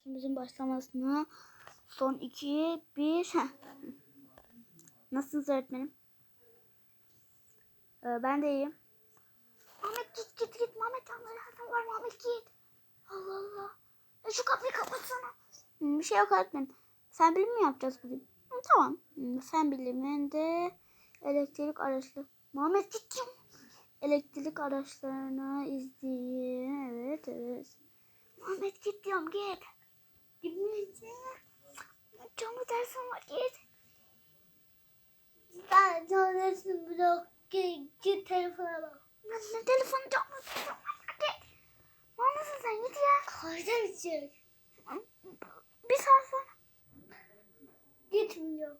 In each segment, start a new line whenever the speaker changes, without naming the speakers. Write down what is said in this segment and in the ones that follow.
dersimizin başlamasına son 2, 1. Nasılsınız öğretmenim? Ben de iyiyim. Mehmet git. Mehmet anlayacağım var. Mehmet git. Allah Allah. Şu kapıyı kapatsana. Bir şey yok öğretmenim. Fen bilimi mi yapacağız bugün? Tamam. Fen biliminde elektrik araçları. Mehmet git. Elektrik araçlarını izleyin. Evet. Mehmet git diyorum git. Gitmeyeceğim. Canlı dersim var git. Ben canlı dersim bırak. Git telefona bak. Ne telefonu canlı dersim var git. Mehmet sen git ya. Kahve içecek. Bir saat sonra. Gitmiyor.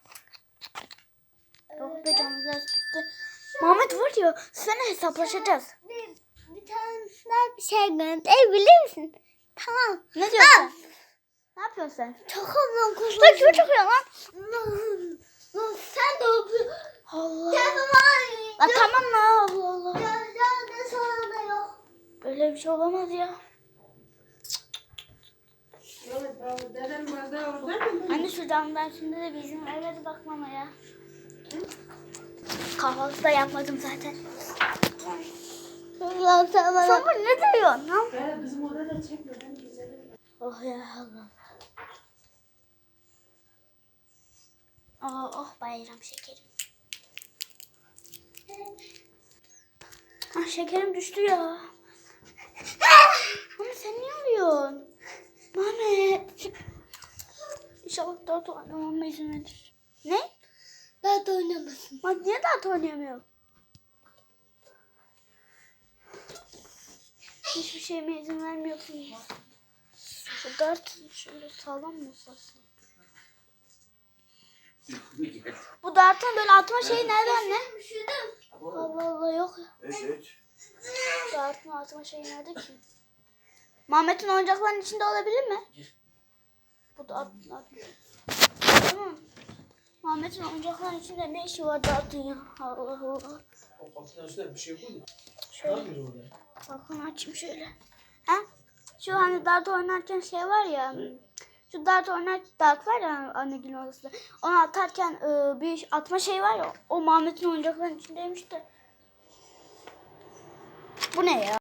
Yok be canlı ders bitti. Mehmet var ya sana hesaplaşacağız.
Bir tane bir şey gönderebilir misin? Tamam.
Ne diyorsun? Ne yapıyorsun sen?
Çakallan kuzum.
Sen kime çakıyorsun lan?
Sen de yapıyorsun.
Allah.
Telefon
La tamam la Allah Allah.
ne sana da yok.
Böyle bir şey olamaz ya. Anne şu canlı dersinde de bizim eve de bakmama ya. Kahvaltı da yapmadım zaten. Sen bu ne diyorsun lan?
Bizim orada çekme. Ben güzelim.
Oh ya Allah. Oh bayram şekerim. Şekerim düştü ya. Ama sen niye alıyorsun? Mehmet. İnşallah dart oynamama izin verir. Ne?
Dert oynamasın.
Bak niye dart oynayamıyor? Hiçbir şeyime izin vermiyorsun. Şu dart şöyle sağlam mı olsun? Bu dartın böyle atma şeyi nerede anne? Allah Allah yok ya.
Evet.
Dartın atma şeyi nerede ki? Mehmet'in oyuncakların içinde olabilir mi? Bu da at. Mehmet'in oyuncakların içinde ne işi var dartın ya? Allah Allah.
O kapının üstünde bir şey koydu. Ne
Şöyle.
yapıyor orada?
Bakın açayım şöyle. Ha? Şu hani dart oynarken şey var ya. Şu dart var ya annegilin odasında. Onu atarken bir atma şey var ya. O Mehmet'in oyuncakların içindeymiş de. Bu ne ya?